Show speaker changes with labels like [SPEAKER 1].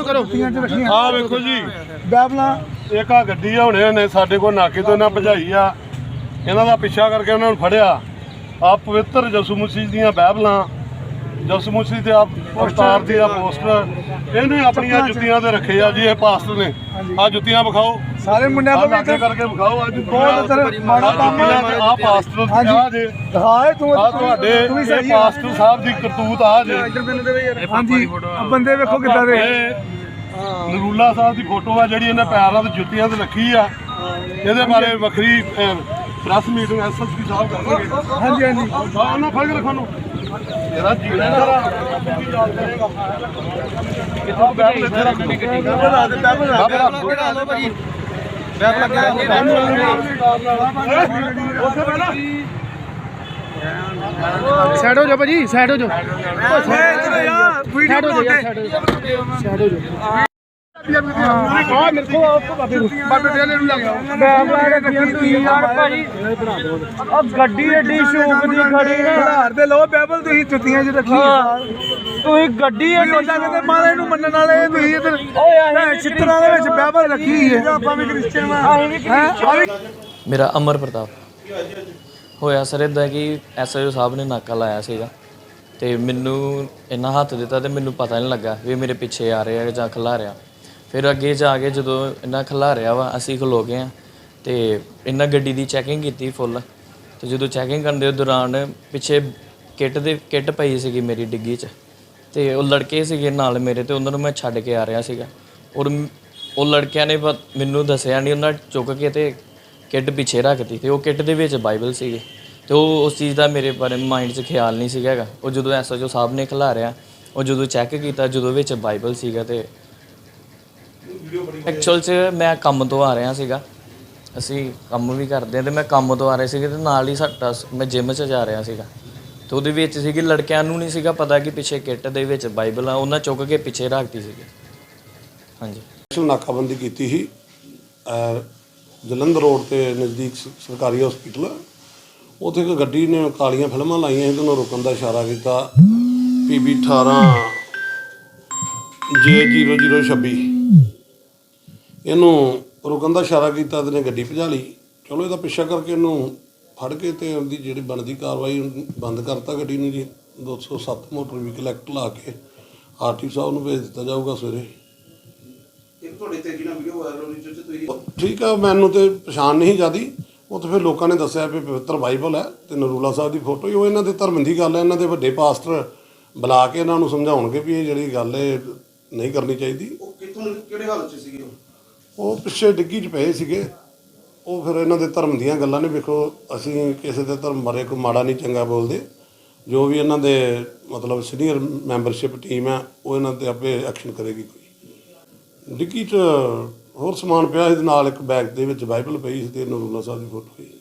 [SPEAKER 1] ਕਰੋ
[SPEAKER 2] ਆ ਵੇਖੋ ਜੀ
[SPEAKER 3] ਬਾਈਬਲਾਂ
[SPEAKER 2] ਇੱਕ ਆ ਗੱਡੀ ਆ ਹੁਣੇ ਨੇ ਸਾਡੇ ਕੋਲ ਨਾਕੇ ਤੋਂ ਇਹਨਾਂ ਭਜਾਈ ਆ ਇਹਨਾਂ ਦਾ ਪਿੱਛਾ ਕਰਕੇ ਉਹਨਾਂ ਨੂੰ ਫੜਿਆ ਆ ਪਵਿੱਤਰ ਯਿਸੂ ਮਸੀਹ ਦੀਆਂ ਬਾਈਬਲਾਂ ਯਿਸੂ ਮਸੀਹ ਤੇ ਅਵਤਾਰ ਦੀ ਆ ਪੋਸਟਰ ਇਹਨੇ ਆਪਣੀਆਂ ਜੁੱਤੀਆਂ ਤੇ ਰੱਖੇ ਆ ਜੀ ਇਹ ਪਾਸਟਰ ਨੇ ਆ ਜੁੱਤੀਆਂ ਵਿਖਾਓ
[SPEAKER 3] ਸਾਰੇ ਮੁੰਡਿਆਂ ਕੋਲ
[SPEAKER 2] ਲਾਗੇ ਕਰਕੇ ਵਿਖਾਓ ਅੱਜ
[SPEAKER 3] ਬਹੁਤ ਮਾੜਾ ਕੰਮ
[SPEAKER 2] ਆ ਪਾਸਟਰ ਆ ਜੇ
[SPEAKER 3] ਦਿਖਾਏ ਤੂੰ
[SPEAKER 2] ਆ ਤੁਹਾਡੇ ਇਹ ਪਾਸਟਰ ਸਾਹਿਬ ਦੀ ਕਰਤੂਤ ਆ ਜੇ
[SPEAKER 3] ਹਾਂਜੀ ਬੰਦੇ ਵੇਖੋ ਕਿੱਦਾਂ ਦੇ
[SPEAKER 2] ਨਰੂਲਾ ਸਾਹਿਬ ਦੀ ਫੋਟੋ ਆ ਜਿਹੜੀ ਇਹਨੇ ਪੈਰਾਂ ਤੇ ਜੁੱਤੀਆਂ ਤੇ ਰੱਖੀ ਆ ਇਹਦੇ ਬਾਰੇ ਵੱਖਰੀ ਪ੍ਰੈਸ ਮੀਟਿੰਗ ਐਸਐਸਪੀ ਸਾਹਿਬ ਕਰਨਗੇ
[SPEAKER 3] ਹਾਂਜੀ ਹਾਂਜੀ
[SPEAKER 2] ਉਹਨਾਂ ਫੜ ਕੇ ਰੱਖੋ ਨੂੰ ਇਹਦਾ ਜੀਣਾ ਸਾਰਾ ਕਿੱਥੋਂ ਬੈਠ ਇੱਥੇ ਰੱਖ
[SPEAKER 1] ਸਾਈਡ ਹੋ ਜਾ ਭਾਜੀ ਸਾਈਡ ਹੋ ਜਾ ਸਾਈਡ ਹੋ ਜਾ ਸਾਈਡ ਹੋ ਜਾ ਆ ਮੇਰੇ ਕੋ ਬਾਬੇ ਦੇ ਨੂੰ ਲੱਗ ਆ ਗੱਡੀ ਐਡੀ ਸ਼ੌਕ ਦੀ ਖੜੀ ਨਾ
[SPEAKER 3] ਘਰ ਦੇ ਲੋ ਬਾਈਬਲ ਤੁਸੀਂ ਜੁੱਤੀਆਂ 'ਚ ਰੱਖੀ
[SPEAKER 1] ਤੁਸੀਂ ਗੱਡੀ ਐਡੀ
[SPEAKER 3] ਉਹਨਾਂ ਕਹਿੰਦੇ ਮਹਾਰਾਜ ਨੂੰ ਮੰਨਣ ਵਾਲੇ ਤੁਸੀਂ ਇਧਰ ਚਿੱਤਰਾਂ ਦੇ ਵਿੱਚ ਬਾਈਬਲ ਰੱਖੀ ਹੈ ਆਪਾਂ ਵੀ ਕ੍ਰਿਸਚੀਅਨ ਆ
[SPEAKER 4] ਮੇਰਾ ਅਮਰ ਪ੍ਰਤਾਪ ਹੋਇਆ ਸਰ ਇੱਦਾਂ ਕਿ ਐਸਆਈਓ ਸਾਹਿਬ ਨੇ ਨਾਕਾ ਲਾਇਆ ਸੀਗਾ ਤੇ ਮੈਨੂੰ ਇੰਨਾ ਹੱਥ ਦਿੱਤਾ ਤੇ ਮੈਨੂੰ ਪਤਾ ਨਹੀਂ ਲੱਗਾ ਵੀ ਮੇਰੇ ਪਿੱਛੇ ਆ ਰਹੇ ਆ ਜਾਂ ਖਿਲਾ ਰਿਹਾ। ਫਿਰ ਅੱਗੇ ਜਾ ਕੇ ਜਦੋਂ ਇਹਨਾਂ ਖਿਲਾ ਰਿਹਾ ਵਾ ਅਸੀਂ ਖਲੋ ਗਏ ਆ ਤੇ ਇਹਨਾਂ ਗੱਡੀ ਦੀ ਚੈਕਿੰਗ ਕੀਤੀ ਫੁੱਲ ਤੇ ਜਦੋਂ ਚੈਕਿੰਗ ਕਰਨ ਦੇ ਦੌਰਾਨ ਪਿੱਛੇ ਕਿੱਟ ਪਈ ਸੀਗੀ ਮੇਰੀ ਡਿੱਗੀ 'ਚ ਤੇ ਉਹ ਲੜਕੇ ਸੀਗੇ ਨਾਲ ਮੇਰੇ ਤੇ ਉਹਨਾਂ ਨੂੰ ਮੈਂ ਛੱਡ ਕੇ ਆ ਰਿਹਾ ਸੀਗਾ ਔਰ ਉਹ ਲੜਕਿਆਂ ਨੇ ਮੈਨੂੰ ਦੱਸਿਆ ਨਹੀਂ ਉਹਨਾਂ ਚੁੱਕ ਕੇ ਤੇ ਕਿੱਟ ਪਿੱਛੇ ਰੱਖਤੀ ਤੇ ਉਹ ਕਿੱਟ ਦੇ ਵਿੱਚ ਬਾਈਬਲ ਸੀਗੇ ਤੇ ਉਹ ਉਸ ਚੀਜ਼ ਦਾ ਮੇਰੇ ਬਾਰੇ ਮਾਈਂਡ 'ਚ ਖਿਆਲ ਨਹੀਂ ਸੀਗਾ ਹੈਗਾ। ਉਹ ਜਦੋਂ ਐਸਐਚਓ ਸਾਹਿਬ ਨੇ ਖਿਲਾਰਿਆ ਉਹ ਜਦੋਂ ਚੈੱਕ ਕੀਤਾ ਜਦੋਂ ਵਿੱਚ ਬਾਈਬਲ ਸੀਗਾ ਤੇ ਐਕਚੁਅਲ 'ਚ ਮੈਂ ਕੰਮ ਤੋਂ ਆ ਰਿਹਾ ਸੀਗਾ ਅਸੀਂ ਕੰਮ ਵੀ ਕਰਦੇ ਹਾਂ ਤੇ ਮੈਂ ਕੰਮ ਤੋਂ ਆ ਰਿਹਾ ਸੀਗਾ ਤੇ ਨਾਲ ਹੀ ਸਾਡਾ ਮੈਂ ਜਿਮ 'ਚ ਜਾ ਰਿਹਾ ਸੀਗਾ ਤੇ ਉਹਦੇ ਵਿੱਚ ਸੀਗੀ ਲੜਕਿਆਂ ਨੂੰ ਨਹੀਂ ਸੀਗਾ ਪਤਾ ਕਿ ਪਿੱਛੇ ਕਿੱਟ ਦੇ ਵਿੱਚ ਬਾਈਬਲ ਆ ਉਹਨਾਂ ਚੁੱਕ ਕੇ ਪਿੱਛੇ ਰੱਖਤੀ ਸੀਗੀ। ਹਾਂਜੀ
[SPEAKER 5] ਨਾਕਾਬੰਦੀ ਕੀਤੀ ਸੀ ਜਲੰਧਰ ਰੋਡ ਤੇ ਨਜ਼ਦੀਕ ਸਰਕਾਰੀ ਹਸਪੀਟਲ ਉੱਥੇ ਇੱਕ ਗੱਡੀ ਨੇ ਕਾਲੀਆਂ ਫਿਲਮਾਂ ਲਾਈਆਂ ਸੀ ਤੇ ਉਹਨੂੰ ਰੁਕਣ ਦਾ ਇਸ਼ਾਰਾ ਕੀਤਾ PB 18 J0026 ਇਹਨੂੰ ਰੁਕਣ ਦਾ ਇਸ਼ਾਰਾ ਕੀਤਾ ਤੇ ਨੇ ਗੱਡੀ ਭਜਾ ਲਈ। ਚਲੋ ਇਹਦਾ ਪਿੱਛਾ ਕਰਕੇ ਇਹਨੂੰ ਫੜ ਕੇ ਤੇ ਉਹਦੀ ਜਿਹੜੀ ਬਣਦੀ ਕਾਰਵਾਈ ਬੰਦ ਕਰਤਾ ਗੱਡੀ ਨੂੰ ਜੀ 207 ਮੋਟਰ ਵਹੀਕਲ ਐਕਟ ਲਾ ਕੇ RTO ਸਾਹਿਬ ਨੂੰ ਭੇਜ ਦਿੱਤਾ ਜਾਊਗਾ ਸਵੇਰੇ। ਠੀਕ ਆ ਮੈਨੂੰ ਤੇ ਪਛਾਣ ਨਹੀਂ ਜਾਂਦੀ ਉਹ ਤਾਂ ਫਿਰ ਲੋਕਾਂ ਨੇ ਦੱਸਿਆ ਵੀ ਪਵਿੱਤਰ ਬਾਈਬਲ ਹੈ ਤੇ ਨਰੂਲਾ ਸਾਹਿਬ ਦੀ ਫੋਟੋ ਹੀ ਉਹ ਇਹਨਾਂ ਦੇ ਧਰਮ ਦੀ ਗੱਲ ਹੈ। ਇਹਨਾਂ ਦੇ ਵੱਡੇ ਪਾਸਟਰ ਬੁਲਾ ਕੇ ਇਹਨਾਂ ਨੂੰ ਸਮਝਾਉਣਗੇ ਵੀ ਇਹ ਜਿਹੜੀ ਗੱਲ ਹੈ ਨਹੀਂ ਕਰਨੀ ਚਾਹੀਦੀ।
[SPEAKER 6] ਉਹ ਕਿੱਥੋਂ ਕਿਹੜੇ ਹਾਲਤ 'ਚ ਸੀਗੇ
[SPEAKER 5] ਉਹ ਪਿੱਛੇ ਡਿੱਗੀ 'ਚ ਪਏ ਸੀਗੇ ਉਹ ਫਿਰ ਇਹਨਾਂ ਦੇ ਧਰਮ ਦੀਆਂ ਗੱਲਾਂ ਨੇ ਵੇਖੋ ਅਸੀਂ ਕਿਸੇ ਦੇ ਧਰਮ ਬਾਰੇ ਕੋਈ ਮਾੜਾ ਨਹੀਂ ਚੰਗਾ ਬੋਲਦੇ ਜੋ ਵੀ ਇਹਨਾਂ ਦੇ ਮਤਲਬ ਸੀਨੀਅਰ ਮੈਂਬਰਸ਼ਿਪ ਟੀਮ ਹੈ ਉਹ ਇਹਨਾਂ 'ਤੇ ਆਪੇ ਐਕਸ਼ਨ ਕਰੇਗੀ। ਕੋਈ ਡਿੱਗੀ 'ਚ ਹੋਰ ਸਮਾਨ ਪਿਆ ਇਹਦੇ ਨਾਲ ਇੱਕ ਬੈਗ ਦੇ ਵਿੱਚ ਬਾਈਬਲ ਪਈ ਸੀ ਤੇ ਨਰੂਲਾ ਸਾਹਿਬ ਦੀ ਫੋਟੋ ਸੀ।